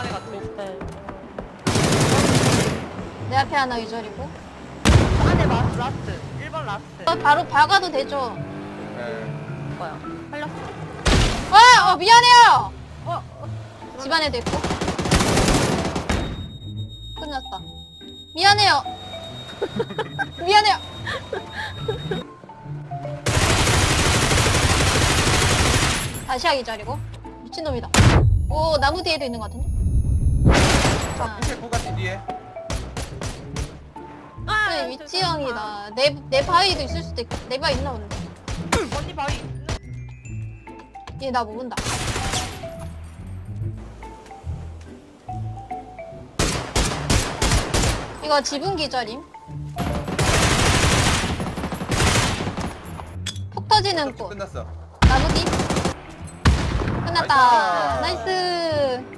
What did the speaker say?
안에 갇혀 있어. 내 앞에 하나 유절이고. 안에 라스트. 1번 라스트. 바로 박아도 되죠? 네. 뭐야? 살렸어. 미안해요! 어? 집안에도 있고. 끝났다. 미안해요. 미안해요. 다시 하기 자리고. 미친놈이다. 오, 나무 뒤에도 있는 것 같은데? 자, 부채 고가지 뒤에. 아, 네, 위치형이다. 내 바위도 있을 수도 있고. 내 바위 있나 본데. 언니 바위. 얘 나 모른다. 이거 지붕 기절임. 폭 터지는 곳. 끝났어. 나무 뒤. 끝났다. 나이스.